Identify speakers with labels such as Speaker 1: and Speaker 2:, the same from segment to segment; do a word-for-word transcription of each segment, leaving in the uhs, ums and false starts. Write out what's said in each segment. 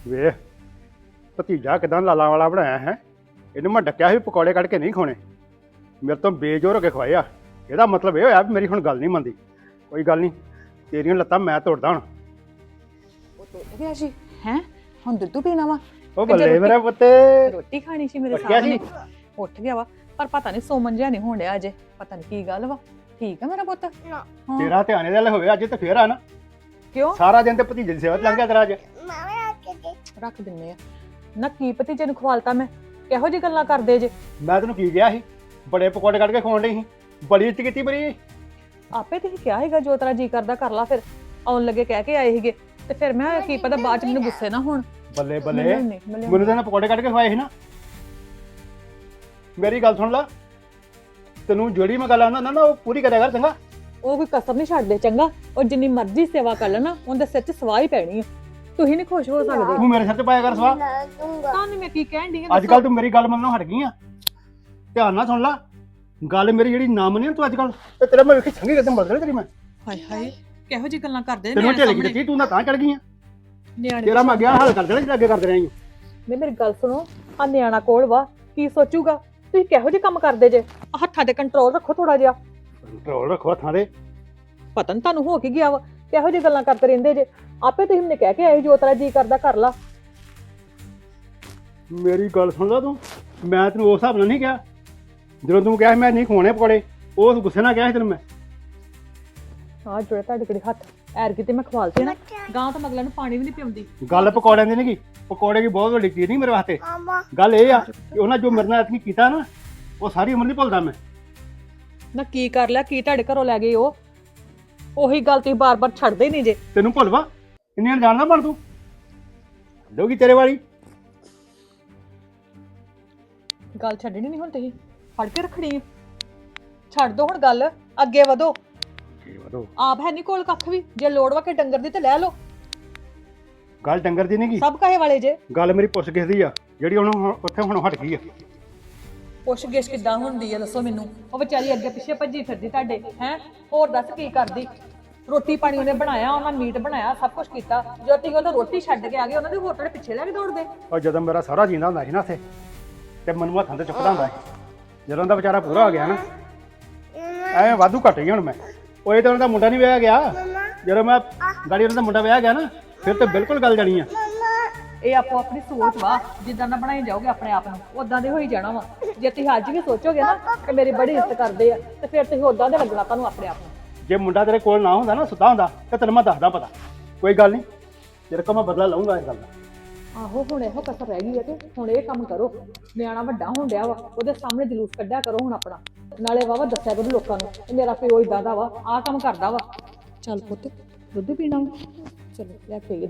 Speaker 1: ਵੇਖ ਭਤੀਜਾ ਕਿਦਾਂ ਲਾਲਾਂ ਵਾਲਾ ਬਣਾਇਆ ਹੈ। ਇਹਨੂੰ ਮੈਂ ਡੱਕਿਆ ਸੀ ਪਕੌੜੇ ਕੱਢ ਕੇ ਨਹੀਂ ਖਾਣੇ, ਮੇਰੇ ਤੋਂ ਬੇਜੋਰ ਹੋ ਕੇ ਖਵਾਏ ਆ। ਇਹਦਾ ਮਤਲਬ ਇਹ ਹੋਇਆ ਵੀ ਮੇਰੀ ਹੁਣ ਗੱਲ ਨਹੀਂ ਮੰਨਦੀ। ਕੋਈ ਗੱਲ ਨਹੀਂ, ਤੇਰੀਆਂ ਲੱਤਾਂ ਮੈਂ ਤੋੜਦਾ ਹੁਣ।
Speaker 2: ਉਹ ਟੁੱਟ ਗਿਆ ਸੀ ਹੈ। ਹੁਣ ਦੁੱਧ ਪੀਣਾ ਵਾ।
Speaker 1: ਉਹ ਬੱਲੇ ਮੇਰਾ ਪੁੱਤ,
Speaker 2: ਰੋਟੀ ਖਾਣੀ ਸੀ ਮੇਰੇ
Speaker 1: ਉੱਠ ਗਿਆ
Speaker 2: ਸਾਹਮਣੇ।
Speaker 1: ਸੀ?
Speaker 2: ਉੱਠ ਗਿਆ ਵਾ, ਪਰ ਪਤਾ ਨਹੀਂ ਸੋਮਨ ਜਿਹਾ ਨਹੀਂ ਹੋਣ ਡਿਆ ਅਜੇ। ਪਤਾ ਨਹੀਂ ਕੀ ਗੱਲ ਵਾ। ਠੀਕ ਆ ਮੇਰਾ ਪੁੱਤ? ਹਾਂ।
Speaker 1: ਤੇਰਾ ਧਿਆਨ ਇਹਦੇ ਵੱਲ ਹੋਵੇ ਅੱਜ ਤੇ ਫੇਰ ਆ ਨਾ।
Speaker 2: ਕਿਉਂ?
Speaker 1: ਸਾਰਾ ਦਿਨ ਤੇ ਭਤੀਜੇ ਦੀ ਸੇਵਾ 'ਚ ਲੰਘ ਗਿਆ ਤੇਰਾ ਅੱਜ।
Speaker 2: ਰੱਖ ਦਿੰਨੇ ਆ ਨਾ। ਕੀ ਭਤੀਜੇ ਨੂੰ ਖਵਾਲਤਾ ਮੈਂ? ਕਿਹੋ ਜਿਹੀ ਗੱਲਾਂ ਕਰਦੇ ਜੇ?
Speaker 1: ਮੈਂ ਤੈਨੂੰ ਕੀ ਕਿਹਾ ਸੀ? ਬੜੇ ਪਕੌੜੇ ਕੱਢ ਕੇ ਖਵਾਉਣ ਡਈ ਸੀ, ਬੜੀ ਇੱਜ਼ਤ ਕੀਤੀ ਬੜੀ।
Speaker 2: ਆਪੇ ਤੁਸੀਂ ਕਿਹਾ ਹੈਗਾ ਜੋ ਤੇਰਾ ਜੀ ਕਰਦਾ ਕਰ ਲਾ। ਫਿਰ ਆਉਣ ਲੱਗੇ ਕਹਿ ਕੇ ਆਏ ਸੀਗੇ ਤੇ ਫਿਰ ਮੈਂ ਕੀ ਪਤਾ ਬਾਅਦ ਚ ਮੈਨੂੰ ਗੁੱਸੇ ਨਾ ਹੋਣ।
Speaker 1: ਬੱਲੇ ਬੱਲੇ,
Speaker 2: ਮਿਲਣ ਨਹੀਂ, ਮਿਲਣ
Speaker 1: ਮੈਨੂੰ ਤਾਂ ਪਕੌੜੇ ਕੱਢ ਕੇ ਖਵਾਏ ਸੀ ਨਾ। ਮੇਰੀ ਗੱਲ ਸੁਣ ਲਾ, ਤੈਨੂੰ ਜਿਹੜੀ ਮੈਂ ਗੱਲ ਆਂਦਾ ਨਾ ਨਾ ਉਹ ਪੂਰੀ ਕਰਿਆ ਕਰ ਚੰਗਾ।
Speaker 2: ਉਹ ਕੋਈ ਕਸਮ ਨਹੀਂ ਛੱਡਦੇ ਚੰਗਾ। ਉਹ ਜਿੰਨੀ ਮਰਜ਼ੀ ਸੇਵਾ ਕਰ ਲੈਣਾ ਉਹਦੇ ਸਿਰ 'ਚ ਸਵਾਹ ਹੀ ਪੈਣੀ ਆ। ਤੁਸੀਂ ਨਹੀਂ ਖੁਸ਼ ਹੋ ਸਕਦੇ।
Speaker 1: ਤੂੰ ਮੇਰੇ ਸਿਰ ਤੇ ਪਾਇਆ ਕਰ ਸਵਾ।
Speaker 2: ਤੁਹਾਨੂੰ ਮੈਂ ਕੀ ਕਹਿਣ ਡਈ ਆ?
Speaker 1: ਅੱਜ ਕੱਲ ਤੂੰ ਮੇਰੀ ਗੱਲ ਮੰਨਣੋਂ ਹਟ ਗਈ ਆ। ਧਿਆਨ ਨਾਲ ਸੁਣ ਲਾ ਗੱਲ ਮੇਰੀ, ਜਿਹੜੀ ਨਾ ਮੰਨੀ ਤੂੰ ਅੱਜ ਕੱਲ ਤੇ ਤੇਰਾ ਮੈਂ ਵੇਖੀ ਚੰਗੀ ਕਦਮ ਬਦਲ ਤੇਰੀ ਮੈਂ।
Speaker 2: ਹਾਏ ਹਾਏ, ਕਿਹੋ ਜਿਹੀ ਗੱਲਾਂ ਕਰਦੇ
Speaker 1: ਤੈਨੂੰ ਢਿੱਲ ਕੀ ਦਿੱਤੀ, ਤੂੰ ਨਾ ਤਾਂ ਚੜ ਗਈ ਆ।
Speaker 2: ਨਿਆਣੇ
Speaker 1: ਤੇਰਾ ਮੈਂ ਗਿਆ ਹੱਲ ਕਰ ਦੇਣਾ ਜਿਹੜਾ ਅੱਗੇ ਕਰਦੇ ਰਹੀ।
Speaker 2: ਨਹੀਂ ਮੇਰੀ ਗੱਲ ਸੁਣੋ, ਆ ਨਿਆਣਾ ਕੋਲ ਵਾ, ਕੀ ਸੋਚੂਗਾ? ਤੁਸੀਂ ਕਿਹੋ ਜਿਹੇ ਕੰਮ ਕਰਦੇ ਜੇ? ਆਹ ਹੱਥਾਂ ਤੇ ਕੰਟਰੋਲ ਰੱਖੋ ਥੋੜਾ ਜਿਹਾ।
Speaker 1: ਕੰਟਰੋਲ ਰੱਖੋ ਹੱਥਾਂ ਦੇ।
Speaker 2: ਪਤਾ ਨੀ ਤੁਹਾਨੂੰ ਹੋ ਕੀ ਗਿਆ ਵਾ, ਕਿਹੋ ਜਿਹੀ ਗੱਲਾਂ ਕਰਦੇ ਰਹਿੰਦੇ ਜੇ। ਆਪੇ ਤੁਸੀਂ ਮੈਨੂੰ ਕਹਿ ਕੇ ਆਏ ਜੋ ਤੇਰਾ ਜੀ ਕਰਦਾ ਕਰ ਲਾ।
Speaker 1: ਮੇਰੀ ਗੱਲ ਸੁਣ ਲਾ ਤੂੰ, ਮੈਂ ਤੈਨੂੰ ਉਸ ਹਿਸਾਬ ਨਾਲ ਨਹੀਂ ਕਿਹਾ। ਜਦੋਂ ਤੂੰ ਕਿਹਾ ਮੈਂ ਨਹੀਂ ਖਵਾਉਣੇ ਪਕੌੜੇ, ਉਸ ਗੁੱਸੇ ਨਾਲ ਕਿਹਾ ਸੀ ਤੈਨੂੰ ਮੈਂ।
Speaker 2: ਆਹ ਜੁੜੇ ਤੁਹਾਡੇ ਕਿਹੜੇ ਹੱਥ ਐਰ ਕਿਤੇ ਮੈਂ ਖਵਾਲਤੇ ਨਾ। ਗਾਂ ਤਾਂ ਮਗਲਾਂ ਨੂੰ ਪਾਣੀ ਵੀ ਨਹੀਂ ਪਿਉਂਦੀ।
Speaker 1: ਗੱਲ ਪਕੌੜਿਆਂ ਦੀ ਨਹੀਂ ਗੀ, ਪਕੌੜੇ ਦੀ ਬਹੁਤ ਵੱਡੀ ਚੀਜ਼ ਨਹੀਂ ਮੇਰੇ ਵਾਸਤੇ। ਗੱਲ ਇਹ ਆ ਕਿ ਉਹਨਾਂ ਜੋ ਮੇਰੇ ਨਾਲ ਐਤਕੀ ਕੀਤਾ ਨਾ, ਉਹ ਸਾਰੀ ਉਮਰ ਨਹੀਂ ਭੁੱਲਦਾ ਮੈਂ।
Speaker 2: ਨਾ ਕੀ ਕਰ ਲਿਆ? ਕੀ ਤੁਹਾਡੇ ਘਰੋਂ ਲੈ ਗਏ ਉਹ? ਉਹੀ ਗੱਲ ਤੁਸੀਂ ਬਾਰ-ਬਾਰ ਛੱਡਦੇ ਨਹੀਂ ਜੇ।
Speaker 1: ਤੈਨੂੰ ਭੁੱਲਵਾ ਇੰਨੀਆਂ ਜਾਣਦਾ ਬਣ ਤੂੰ ਦੋਗੀ ਤੇਰੇ ਵਾਲੀ
Speaker 2: ਗੱਲ ਛੱਡਣੀ ਨਹੀਂ ਹੁਣ ਤੁਸੀਂ, ਫੜ ਕੇ ਰੱਖਣੀ ਆ। ਛੱਡ ਦੋ ਹੁਣ ਗੱਲ, ਅੱਗੇ ਵਧੋ।
Speaker 1: ਕੀ ਵਧੋ?
Speaker 2: ਆਪ ਹੈ ਨਹੀਂ ਕੋਲ ਕੱਖ ਵੀ। ਜੇ ਲੋੜ ਵਾ ਕੇ ਡੰਗਰ ਦੀ ਤੇ ਲੈ ਲਓ।
Speaker 1: ਗੱਲ ਡੰਗਰ ਦੀ ਨਹੀਂ ਗੀ,
Speaker 2: ਸਭ ਕਹੇ ਵਾਲੇ ਜੇ।
Speaker 1: ਗੱਲ ਮੇਰੀ ਪੁੱਛ ਕਿਸ ਦੀ ਆ ਜਿਹੜੀ ਹੁਣ ਹੁਣ ਉੱਥੇ ਹੁਣ ਹਟ ਗਈ ਆ।
Speaker 2: ਪੁੱਛ ਗਿੱਛ ਕਿੱਦਾਂ ਹੁੰਦੀ ਆ ਦੱਸੋ ਮੈਨੂੰ? ਉਹ ਵਿਚਾਰੀ ਅੱਗੇ ਪਿੱਛੇ ਭੱਜੀ ਫਿਰਦੀ ਤੁਹਾਡੇ ਹੈ। ਹੋਰ ਦੱਸ ਕੀ ਕਰਦੀ? ਰੋਟੀ ਪਾਣੀ ਉਹਨੇ ਬਣਾਇਆ, ਉਹਨਾਂ ਮੀਟ ਬਣਾਇਆ, ਸਭ ਕੁਝ ਕੀਤਾ। ਜਦੋਂ ਤੁਸੀਂ ਉਹਨੂੰ ਰੋਟੀ ਛੱਡ ਕੇ ਆ ਗਏ, ਉਹਨਾਂ ਦੇ ਹੋਰ ਤੁਹਾਡੇ ਪਿੱਛੇ ਲੈ ਕੇ ਦੌੜਦੇ।
Speaker 1: ਔਰ ਜਦੋਂ ਮੇਰਾ ਸਾਰਾ ਜੀਂਦਾ ਹੁੰਦਾ ਸੀ ਨਾ ਇੱਥੇ, ਤੇ ਮੈਨੂੰ ਹੱਥਾਂ ਤੇ ਚੁੱਕਦਾ ਹੁੰਦਾ ਸੀ। ਜਦੋਂ ਦਾ ਵਿਚਾਰਾ ਪੂਰਾ ਹੋ ਗਿਆ ਨਾ, ਐਵੇਂ ਵਾਧੂ ਘਟ ਗਈ ਹੁਣ ਮੈਂ। ਉਹ ਇਹ ਤਾਂ ਉਹਨਾਂ ਦਾ ਮੁੰਡਾ ਨਹੀਂ ਵਿਆਹ ਗਿਆ। ਜਦੋਂ ਮੈਂ ਗਾੜੀ ਉਹਨਾਂ ਦਾ ਮੁੰਡਾ ਵਿਆਹ ਗਿਆ ਨਾ, ਫਿਰ ਤਾਂ ਬਿਲਕੁਲ ਗੱਲ ਜਾਣੀ ਆ।
Speaker 2: ਇਹ ਆਪੋ ਆਪਣੀ ਸੋਚ ਵਾ, ਜਿੱਦਾਂ ਦਾ ਬਣਾਈ ਜਾਓਗੇ ਆਪਣੇ ਆਪ ਨੂੰ ਉਦਾਂ ਦੇ ਹੋਈ ਜਾਣਾ ਵਾ। ਜੇ ਤੁਸੀਂ ਅੱਜ ਵੀ ਸੋਚੋਗੇ ਨਾ ਕਿ ਮੇਰੀ ਬੜੀ ਇੱਜ਼ਤ ਕਰਦੇ ਆ, ਤੇ ਫਿਰ ਤੁਸੀਂ ਉਦਾਂ ਦੇ ਲੱਗਣਾ ਤੁਹਾਨੂੰ ਆਪਣੇ ਆਪ ਨੂੰ।
Speaker 1: ਜੇ ਮੁੰਡਾ ਤੇਰੇ ਕੋਲ ਨਾ ਹੁੰਦਾ ਨਾ, ਸੁੱਤਾ ਹੁੰਦਾ, ਤੇ ਤੈਨੂੰ ਮੈਂ ਦੱਸਦਾ ਪਤਾ। ਕੋਈ ਗੱਲ ਨਹੀਂ, ਤੇਰੇ ਕੋਲ ਮੈਂ ਬਦਲਾ ਲਊਂਗਾ ਇਸ ਗੱਲ ਦਾ।
Speaker 2: ਆਹੋ ਹੁਣ ਇਹੋ ਕਸਰ ਰਹਿ ਗਈ ਹੈ ਤੇ ਹੁਣ ਇਹ ਕੰਮ ਕਰੋ। ਨਿਆਣਾ ਵੱਡਾ ਹੋਣ ਡਿਆ ਵਾ, ਉਹਦੇ ਸਾਹਮਣੇ ਜਲੂਸ ਕੱਢਿਆ ਕਰੋ ਹੁਣ ਆਪਣਾ। ਨਾਲੇ ਵਾਵਾ ਦੱਸਿਆ ਕਰੋ ਲੋਕਾਂ ਨੂੰ ਕਿ ਮੇਰਾ ਪਿਓ ਇਦਾਂ ਦਾ ਵਾ, ਆਹ ਕੰਮ ਕਰਦਾ ਵਾ। ਚੱਲ ਪੁੱਤ ਦੁੱਧ ਪੀਣਾ ਵਾ? ਚਲੋ ਲੈ ਕੇ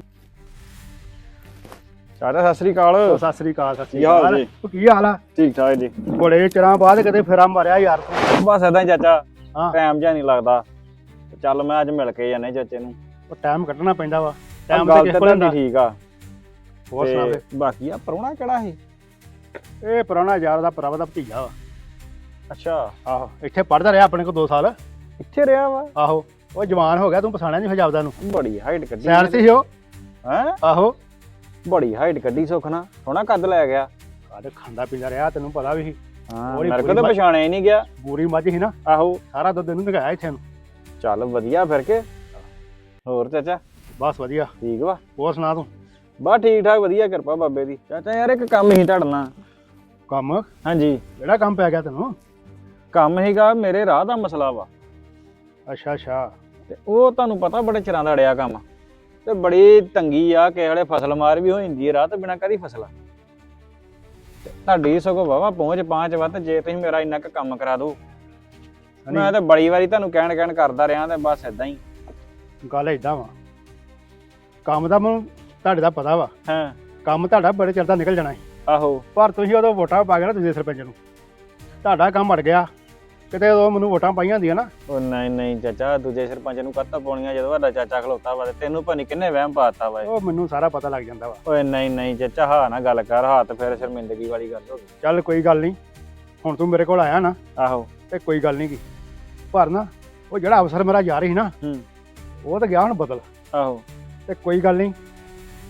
Speaker 3: ਚਾਚਾ ਸਤਿ ਸ੍ਰੀ ਅਕਾਲ।
Speaker 1: ਸਤਿ ਸ੍ਰੀ ਅਕਾਲ। ਸਤਿ ਸ੍ਰੀ
Speaker 3: ਕੀ ਹਾਲ
Speaker 1: ਅਕਾਲ
Speaker 3: ਜੀ?
Speaker 1: ਤੂੰ ਕੀ ਹਾਲ ਆ?
Speaker 3: ਠੀਕ ਠਾਕ ਜੀ।
Speaker 1: ਬੜੇ ਚਿਰਾਂ ਬਾਅਦ ਕਦੇ ਫੇਰਾ ਮਾਰਿਆ ਯਾਰ ਤੂੰ।
Speaker 3: ਬਸ ਏਦਾਂ ਹੀ ਚਾਚਾ,
Speaker 1: ਹਾਂ।
Speaker 3: ਟਾਈਮ ਜਿਹਾ ਨਹੀਂ ਲੱਗਦਾ। ਚੱਲ ਮੈਂ ਅੱਜ ਮਿਲ ਕੇ ਜਾਣੇ ਚਾਚੇ ਨੂੰ।
Speaker 1: ਉਹ ਟਾਈਮ ਕੱਢਣਾ ਪੈਂਦਾ ਵਾ। ਟਾਈਮ
Speaker 3: ਗੱਲ
Speaker 1: ਤੇ
Speaker 3: ਤਾਂ
Speaker 1: ਕਿਸ ਕੋਲ ਹੁੰਦਾ?
Speaker 3: ਤੁਹਾਡੀ ਠੀਕ ਆ।
Speaker 1: ਹੋਰ ਸੁਣਾ
Speaker 3: ਤੇ
Speaker 1: ਦੇ।
Speaker 3: ਬਾਕੀ ਆ ਪ੍ਰਾਹੁਣਾ ਕਿਹੜਾ ਸੀ?
Speaker 1: ਇਹ ਪੁਰਾਣਾ ਯਾਰ ਦਾ ਭਰਾ ਦਾ ਭਤੀਜਾ ਵਾ।
Speaker 3: ਅੱਛਾ,
Speaker 1: ਆਹੋ, ਇੱਥੇ ਪੜ੍ਹਦਾ ਰਿਹਾ ਆਪਣੇ ਕੋਲ ਦੋ ਸਾਲ।
Speaker 3: ਇੱਥੇ ਰਿਹਾ ਵਾ?
Speaker 1: ਆਹੋ, ਉਹ ਜਵਾਨ ਹੋ ਗਿਆ, ਤੂੰ ਪਛਾਣਿਆ ਨਹੀਂ ਹਜਾਬਦਾ ਨੂੰ।
Speaker 3: ਬੜੀ ਹਾਈਟ ਕੱਢੀ।
Speaker 1: ਸੈਰ ਸੀ ਉਹ।
Speaker 3: ਹੈ?
Speaker 1: ਆਹੋ,
Speaker 3: ਬੜੀ ਹਾਈਟ ਕੱਢੀ ਸੁਖਣਾ, ਸੋਹਣਾ ਕੱਦ ਲੈ ਗਿਆ।
Speaker 1: ਕਾਹਦੇ ਖਾਂਦਾ ਪੀਂਦਾ ਰਿਹਾ, ਤੈਨੂੰ ਪਤਾ ਵੀ ਸੀ।
Speaker 3: ਹਾਂ,
Speaker 1: ਉਹਦੀ
Speaker 3: ਮੇਰੇ ਕੋਲ ਤਾਂ
Speaker 1: ਪੂਰੀ
Speaker 3: ਪਛਾਣਿਆ ਹੀ ਨਹੀਂ ਗਿਆ।
Speaker 1: ਪੂਰੀ ਮੱਝ ਸੀ ਨਾ,
Speaker 3: ਆਹੋ,
Speaker 1: ਸਾਰਾ ਦੁੱਧ ਇਹਨੂੰ ਨਗਾਇਆ ਇੱਥੇ ਨੂੰ।
Speaker 3: ਚੱਲ ਵਧੀਆ ਫਿਰ ਕੇ। ਹੋਰ ਚਾਚਾ
Speaker 1: ਬਸ ਵਧੀਆ।
Speaker 3: ਠੀਕ ਵਾ?
Speaker 1: ਹੋਰ ਸੁਣਾ ਤੂੰ?
Speaker 3: ਬਸ ਠੀਕ ਠਾਕ, ਵਧੀਆ ਕਿਰਪਾ ਬਾਬੇ ਦੀ। ਚਾਚਾ ਯਾਰ ਇੱਕ ਕੰਮ ਹੀ ਤੁਹਾਡੇ ਨਾਲ।
Speaker 1: ਕੰਮ?
Speaker 3: ਹਾਂਜੀ।
Speaker 1: ਕਿਹੜਾ ਕੰਮ ਪੈ ਗਿਆ ਤੈਨੂੰ?
Speaker 3: ਕੰਮ ਹੀਗਾ, ਮੇਰੇ ਰਾਹ ਦਾ ਮਸਲਾ ਵਾ।
Speaker 1: ਅੱਛਾ ਅੱਛਾ।
Speaker 3: ਤੇ ਉਹ ਤੁਹਾਨੂੰ ਪਤਾ ਬੜੇ ਚਿਰਾਂ ਦਾ ਅੜਿਆ ਕੰਮ, ਤੇ ਬੜੀ ਤੰਗੀ ਆ। ਕਿਸੇ ਵੇਲੇ ਫਸਲ ਮਾਰ ਵੀ ਹੋ ਜਾਂਦੀ ਹੈ ਰਾਹ ਤੇ ਬਿਨਾਂ ਕਦੀ ਫਸਲਾ। ਤੇ ਤੁਹਾਡੀ ਸਗੋਂ ਵਾਵਾ ਪਹੁੰਚ ਪਾਂਚ ਵਾ, ਤੇ ਜੇ ਤੁਸੀਂ ਮੇਰਾ ਇੰਨਾ ਕੁ ਕੰਮ ਕਰਾ ਦੋ। ਮੈਂ ਤੇ ਬੜੀ ਵਾਰੀ ਤੁਹਾਨੂੰ ਕਹਿਣ ਕਹਿਣ ਕਰਦਾ ਰਿਹਾ, ਤੇ ਬਸ ਏਦਾਂ ਹੀ।
Speaker 1: ਗੱਲ ਏਦਾਂ ਵਾ, ਕੰਮ ਦਾ ਮੈਨੂੰ ਤੁਹਾਡੇ ਦਾ ਪਤਾ ਵਾ।
Speaker 3: ਹਾਂ।
Speaker 1: ਕੰਮ ਤੁਹਾਡਾ ਬੜੇ ਚਿਰ ਦਾ ਨਿਕਲ ਜਾਣਾ ਸੀ,
Speaker 3: ਆਹੋ।
Speaker 1: ਪਰ ਤੁਸੀਂ ਉਦੋਂ ਵੋਟਾਂ ਪਾ ਗਏ ਨਾ ਦੂਜੇ ਸਰਪੰਚ ਨੂੰ, ਤੁਹਾਡਾ ਕੰਮ ਅੜ ਗਿਆ। ਕਿਤੇ ਉਦੋਂ ਮੈਨੂੰ ਵੋਟਾਂ ਪਾਈਆਂ ਹੁੰਦੀਆਂ ਨਾ।
Speaker 3: ਉਹ ਨਹੀਂ ਨਹੀਂ ਚਾਚਾ, ਦੂਜੇ ਸਰਪੰਚ ਨੂੰ ਕੱਤਾ ਪਾਉਣੀਆਂ ਜਦੋਂ ਤੁਹਾਡਾ ਚਾਚਾ ਖਲੋਤਾ ਵਾ। ਤੇ ਤੈਨੂੰ ਭਾਨੀ ਕਿੰਨੇ ਵਹਿਮ ਪਾਤਾ ਵਾ।
Speaker 1: ਉਹ ਮੈਨੂੰ ਸਾਰਾ ਪਤਾ ਲੱਗ ਜਾਂਦਾ ਵਾ।
Speaker 3: ਓਏ ਨਹੀਂ ਨਹੀਂ ਚਾਚਾ, ਹਾਂ ਨਾ ਗੱਲ ਕਰ, ਹੱਥ ਫਿਰ ਸ਼ਰਮਿੰਦਗੀ ਵਾਲੀ ਗੱਲ ਹੋ ਗਈ।
Speaker 1: ਚੱਲ ਕੋਈ ਗੱਲ ਨਹੀਂ, ਹੁਣ ਤੂੰ ਮੇਰੇ ਕੋਲ ਆਇਆ ਨਾ,
Speaker 3: ਆਹੋ।
Speaker 1: ਤੇ ਕੋਈ ਗੱਲ ਨਹੀਂ ਗੀ। ਪਰ ਨਾ ਉਹ ਜਿਹੜਾ ਅਫਸਰ ਮੇਰਾ ਯਾਰ ਸੀ ਨਾ,
Speaker 3: ਹੂੰ।
Speaker 1: ਉਹ ਤਾਂ ਗਿਆ ਹੁਣ ਬਦਲ।
Speaker 3: ਆਹੋ।
Speaker 1: ਤੇ ਕੋਈ ਗੱਲ ਨਹੀਂ,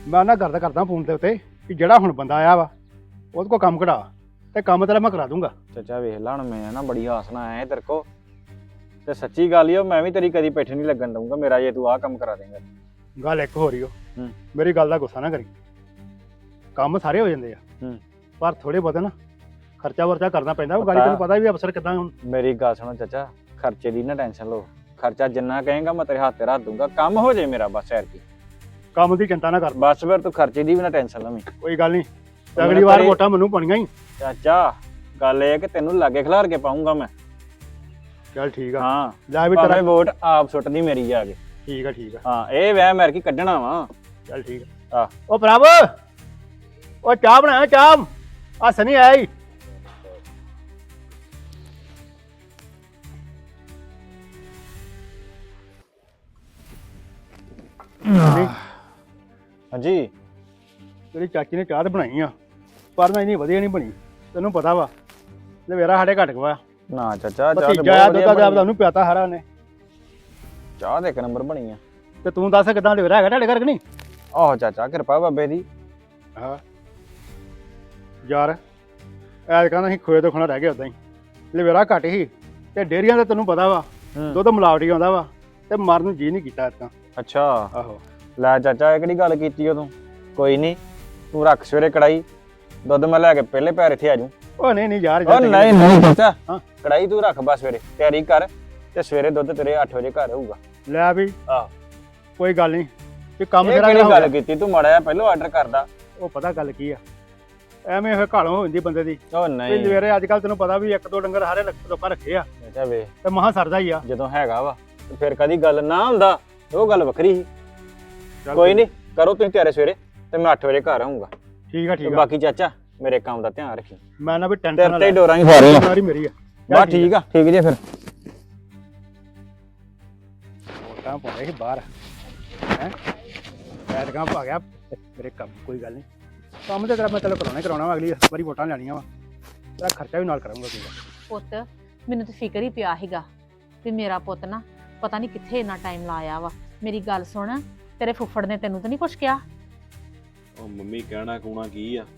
Speaker 1: ਮੈਂ ਉਹਨਾਂ ਕਰਦਾ ਕਰਦਾ ਫੋਨ ਦੇ ਉੱਤੇ ਕਿ ਜਿਹੜਾ ਹੁਣ ਬੰਦਾ ਆਇਆ ਵਾ ਉਹਦੇ ਕੋਲ ਕੰਮ ਕਢਾ ਤੇ ਕੰਮ ਤੇਰਾ ਮੈਂ ਕਰਾ ਦੂੰਗਾ।
Speaker 3: ਚਾਚਾ ਵੇਖ ਲਾ ਹੁਣ ਮੈਂ ਨਾ ਬੜੀ ਆਸ ਨਾਲ ਆਇਆ ਤੇਰੇ ਕੋ ਤੇ ਸੱਚੀ ਗੱਲ ਈ ਓ ਮੈਂ ਵੀ ਤੇਰੀ ਕਦੀ ਪਿੱਠ ਨਹੀਂ ਲੱਗਣ ਦਊਂਗਾ ਮੇਰਾ ਜੇ ਤੂੰ ਆਹ ਕੰਮ ਕਰਾ ਦੇਂਗਾ।
Speaker 1: ਗੱਲ ਇੱਕ ਹੋ ਰਹੀ ਓ
Speaker 3: ਹੂੰ।
Speaker 1: ਮੇਰੀ ਗੱਲ ਦਾ ਗੁੱਸਾ ਨਾ ਕਰੀ। ਕੰਮ ਸਾਰੇ ਹੋ ਜਾਂਦੇ ਆ
Speaker 3: ਹੂੰ।
Speaker 1: ਪਰ ਥੋੜੇ ਬਹੁਤੇ ਨਾ ਖਰਚਾ ਵਰਚਾ ਕਰਨਾ ਪੈਂਦਾ। ਉਹ
Speaker 3: ਪਤਾ-
Speaker 1: ਗਾੜੀ ਤੈਨੂੰ ਪਤਾ ਵੀ ਅਫਸਰ ਕਿਦਾਂ ਹੁਣ।
Speaker 3: ਮੇਰੀ ਗੱਲ ਸੁਣੋ ਚਾਚਾ ਖਰਚੇ ਦੀ ਨਾ ਟੈਨਸ਼ਨ ਲਓ ਖਰਚਾ ਜਿੰਨਾ ਕਹੇਗਾ ਮੈਂ ਤੇਰੇ ਹੱਥ ਤੇ ਰੱਖ ਦੂੰਗਾ ਕੰਮ ਹੋ ਜੇ ਮੇਰਾ ਬਸ ਐਰ ਕੀ
Speaker 1: ਕੰਮ ਦੀ ਚਿੰਤਾ ਨਾ ਕਰ।
Speaker 3: ਬਸ ਫਿਰ ਤੂੰ ਖਰਚੇ ਦੀ ਵੀ ਨਾ ਟੈਨਸ਼ਨ ਲਵੀਂ।
Speaker 1: ਕੋਈ ਗੱਲ ਨਹੀਂ
Speaker 3: ਮੈਨੂੰ
Speaker 1: ਅਗਲੀ ਵਾਰ
Speaker 3: ਘਰੇ-
Speaker 1: ਵੋਟਾਂ ਮੈਨੂੰ ਪਾਉਣੀਆਂ ਹੀ।
Speaker 3: ਚਾਚਾ ਗੱਲ ਇਹ ਹੈ ਕਿ ਤੈਨੂੰ ਲਾਗੇ ਖਿਲਾਰ ਕੇ ਪਾਉਂਗਾ ਮੈਂ।
Speaker 1: ਚੱਲ ਠੀਕ ਆ
Speaker 3: ਹਾਂ
Speaker 1: ਲੈ ਵੀ ਤੇਰਾ
Speaker 3: ਭਾਵੇਂ ਵੋਟ ਆਪ ਸੁੱਟਦੀ ਮੇਰੀ ਜਾ ਕੇ।
Speaker 1: ਠੀਕ ਆ ਠੀਕ ਆ
Speaker 3: ਹਾਂ ਇਹ ਵਹਿ ਮੈਰ ਕੀ ਕੱਢਣਾ ਵਾ।
Speaker 1: ਚੱਲ ਠੀਕ
Speaker 3: ਆ।
Speaker 1: ਆ। ਉਹ ਪ੍ਰਭ ਉਹ ਚਾਹ ਬਣਾਇਆ ਚਾਹ ਆ ਸਨੀ ਆਇਆ ਈ। ਸਨੀ,
Speaker 3: ਹਾਂਜੀ
Speaker 1: ਤੇਰੀ ਚਾਚੀ ਨੇ ਚਾਹ ਤਾਂ ਬਣਾਈ ਆ ਪਰ ਨਾ ਇੰਨੀ ਵਧੀਆ ਨਹੀਂ ਬਣੀ। ਤੈਨੂੰ ਪਤਾ ਵਾ ਲਵੇਰਾ ਸਾਡੇ ਘਟ ਗਿਆ।
Speaker 3: ਨਾ ਚਾਚਾ ਚਾਹ ਤੇ
Speaker 1: ਭਤੀਜਾ ਆ
Speaker 3: ਬਹੁਤ
Speaker 1: ਦੁੱਧ
Speaker 3: ਵਧੀਆ
Speaker 1: ਦਾ
Speaker 3: ਬਣੀ।
Speaker 1: ਉਹਨੂੰ ਪਿਆਤਾ ਹਰਾ ਨੇ।
Speaker 3: ਚਾਹ ਦੇ ਇੱਕ ਨੰਬਰ ਬਣੀ ਆ।
Speaker 1: ਤੇ ਤੂੰ ਦੱਸ ਕਿਦਾਂ ਲਵੇਰਾ ਹੈਗਾ ਤੁਹਾਡੇ ਘਰ ਕਿ ਨਹੀਂ?
Speaker 3: ਆਹੋ ਚਾਚਾ ਕਿਰਪਾ ਬਾਬੇ ਦੀ।
Speaker 1: ਹਾਂ ਯਾਰ ਐਤਕਾਂ ਅਸੀਂ ਖੋਏ ਤੋਂ ਖਾਣਾ ਰਹਿ ਗਿਆ ਉਦਾਂ ਹੀ। ਲਵੇਰਾ ਘੱਟ ਹੀ ਤੇ ਡੇਰੀਆਂ ਦਾ ਤੈਨੂੰ ਪਤਾ ਵਾ
Speaker 3: ਹੂੰ।
Speaker 1: ਦੁੱਧ ਮਿਲਾਵਟੀ ਆਉਂਦਾ ਵਾ ਤੇ ਮਰਨ ਨੂੰ ਜੀ ਨਹੀਂ ਕੀਤਾ ਐਤਕਾਂ।
Speaker 3: ਅੱਛਾ
Speaker 1: ਆਹੋ
Speaker 3: ਲੈ ਚਾਚਾ ਇਹ ਕਿਹੜੀ ਗੱਲ ਕੀਤੀ ਓ ਤੂੰ। ਕੋਈ ਨਹੀਂ ਤੂੰ ਰੱਖ ਸਵੇਰੇ ਕੜਾਈ ਦੁੱਧ ਮੈਂ ਲੈ ਕੇ ਪਹਿਲੇ ਪੈਰ ਇੱਥੇ ਆ ਜੂ।
Speaker 1: ਉਹ ਨਹੀਂ ਨਹੀਂ ਯਾਰ
Speaker 3: ਉਹ ਨਹੀਂ ਨਹੀਂ ਚਾਚਾ
Speaker 1: ਹਾਂ।
Speaker 3: ਕੜਾਈ ਤੂੰ ਰੱਖ ਬਸ ਸਵੇਰੇ ਤਿਆਰੀ ਕਰ ਤੇ ਸਵੇਰੇ ਦੁੱਧ ਤੇਰੇ ਅੱਠ ਵਜੇ ਘਰ ਆਊਗਾ।
Speaker 1: ਲੈ ਵੀ
Speaker 3: ਆਹ
Speaker 1: ਕੋਈ ਗੱਲ ਨਹੀਂ ਤੇ ਕੰਮ
Speaker 3: ਇਹ
Speaker 1: ਤੇਰਾ
Speaker 3: ਕਿਹੜੀ
Speaker 1: ਜਿਹੜਾ
Speaker 3: ਗੱਲ ਕੀਤੀ ਤੂੰ ਮਾੜਾ ਜਿਹਾ ਪਹਿਲਾਂ ਆਰਡਰ ਕਰਦਾ।
Speaker 1: ਉਹ ਪਤਾ ਗੱਲ ਕੀ ਆ ਐਵੇਂ ਇਹ ਘਾਲੋਂ ਹੋ ਜਾਂਦੀ ਬੰਦੇ ਦੀ।
Speaker 3: ਉਹ
Speaker 1: ਤੇ
Speaker 3: ਨਹੀਂ
Speaker 1: ਲਵੇਰੇ ਅੱਜ ਕੱਲ ਤੈਨੂੰ ਪਤਾ ਵੀ ਇੱਕ ਦੋ ਡੰਗਰ ਹਾਰੇ ਲੋਕਾਂ ਰੱਖੇ ਆ
Speaker 3: ਚਾਚਾ ਵੇ
Speaker 1: ਤੇ ਮਹਾ ਸਰਦਾ ਹੀ ਆ।
Speaker 3: ਜਦੋਂ ਹੈਗਾ ਵਾ ਤੇ ਫਿਰ ਕਦੀ ਗੱਲ ਨਾ ਹੁੰਦਾ ਉਹ ਗੱਲ ਵੱਖਰੀ ਸੀ।
Speaker 1: ਚੱਲ
Speaker 3: ਕੋਈ ਨਹੀਂ ਕਰੋ ਤੁਸੀਂ ਤਿਆਰੇ ਸਵੇਰੇ ਤੇ ਮੈਂ ਅੱਠ ਵਜੇ ਘਰ ਆਊਂਗਾ।
Speaker 1: ਠੀਕ ਆ
Speaker 3: ਤੇ
Speaker 1: ਠੀਕ ਆ
Speaker 3: ਬਾਕੀ ਚਾਚਾ ਮੇਰੇ ਕੰਮ ਦਾ ਧਿਆਨ ਰੱਖੀ।
Speaker 1: ਮੈਂ ਨਾ ਵੀ ਟੈਨਸ਼ਨ
Speaker 3: ਤੇਰੇ
Speaker 1: ਨਾ
Speaker 3: ਤੇ
Speaker 1: ਲੈ
Speaker 3: ਹੀ ਡੋਰਾਂ ਹੀ ਫਾਰੇ ਆ।
Speaker 1: ਸਾਰੀ ਮੇਰੀ ਆ।
Speaker 3: ਬਸ ਠੀਕ ਆ ਠੀਕ ਜੇ ਫਿਰ।
Speaker 1: ਵੋਟਾਂ ਪਾਉਂਦੇ ਸੀ ਬਾਹਰ ਹੈ ਐਤਕਾਂ ਪਾ ਗਿਆ ਮੇਰੇ ਕੰਮ। ਕੋਈ ਗੱਲ ਨਹੀਂ ਕੰਮ ਤੇ ਤੇਰਾ ਮੈਂ ਤੈਨੂੰ ਕਰਾਉਣਾ ਹੀ ਕਰਾਉਣਾ ਵਾ। ਅਗਲੀ ਵਾਰੀ ਵੋਟਾਂ ਲੈਣੀਆਂ ਵਾ ਤੇਰਾ ਖਰਚਾ ਵੀ ਨਾਲ ਕਰਾਂਗਾ। ਕੋਈ ਗੱਲ
Speaker 2: ਪੁੱਤ ਮੈਨੂੰ ਤਾਂ ਫਿਕਰ ਹੀ ਪਿਆ ਸੀਗਾ ਵੀ ਮੇਰਾ ਪੁੱਤ ਨਾ ਪਤਾ ਨਹੀਂ ਕਿੱਥੇ ਇੰਨਾ ਟਾਈਮ ਲਾਇਆ ਵਾ। ਮੇਰੀ ਗੱਲ ਸੁਣ ਤੇਰੇ ਫੁੱਫੜ ਨੇ ਤੈਨੂੰ ਤਾਂ ਨਹੀਂ ਕੁਛ ਕਿਹਾ?
Speaker 4: ਉਹ ਮੰਮੀ ਕਹਿਣਾ ਕੂਣਾ ਕੀ ਆ